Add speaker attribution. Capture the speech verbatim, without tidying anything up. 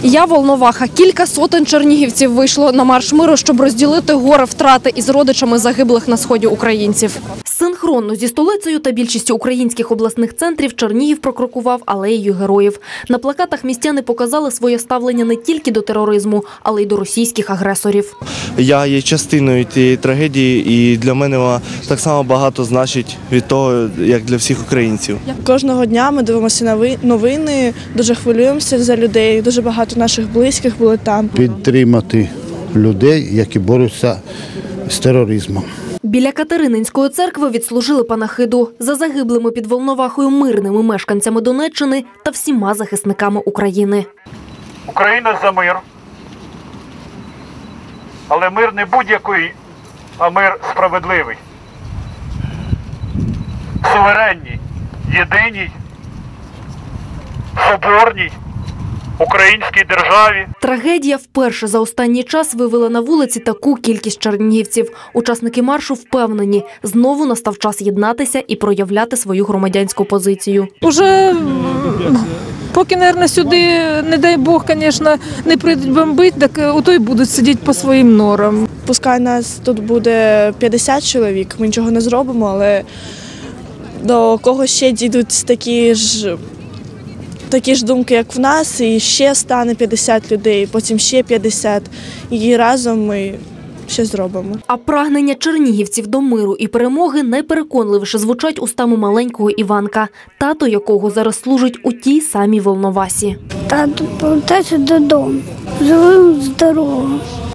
Speaker 1: Я Волноваха. Кілька сотень чернігівців вийшло на марш миру, щоб розділити горе втрати із родичами загиблих на сході українців. Синхронно зі столицею та більшістю українських обласних центрів Чернігів прокрокував алеєю героїв. На плакатах містяни показали своє ставлення не тільки до тероризму, але й до російських агресорів.
Speaker 2: Я є частиною тієї трагедії, і для мене вона так само багато значить від того, як для всіх українців.
Speaker 3: Кожного дня ми дивимося новини, дуже хвилюємося за людей, дуже багато наших близьких були там.
Speaker 4: Підтримати людей, які борються з тероризмом.
Speaker 1: Біля Катерининської церкви відслужили панахиду за загиблими під Волновахою мирними мешканцями Донеччини та всіма захисниками України.
Speaker 5: Україна за мир, але мир не будь-який, а мир справедливий, суверенній, єдиній, соборній українській державі.
Speaker 1: Трагедія вперше за останній час вивела на вулиці таку кількість чернігівців. Учасники маршу впевнені, знову настав час єднатися і проявляти свою громадянську позицію.
Speaker 6: Уже поки, мабуть, сюди, не дай Бог, звісно, не прийдуть бомбити, так ото й будуть сидіти по своїм норам.
Speaker 3: Пускай нас тут буде п'ятдесят чоловік, ми нічого не зробимо, але до кого ще дійдуть такі ж Такі ж думки, як в нас, і ще стане п'ятдесят людей, потім ще п'ятдесят, і разом ми ще зробимо.
Speaker 1: А прагнення чернігівців до миру і перемоги найпереконливіше звучать устами маленького Іванка, тато якого зараз служить у тій самій Волновасі.
Speaker 7: Тато повертайся додому, живим, здоровим.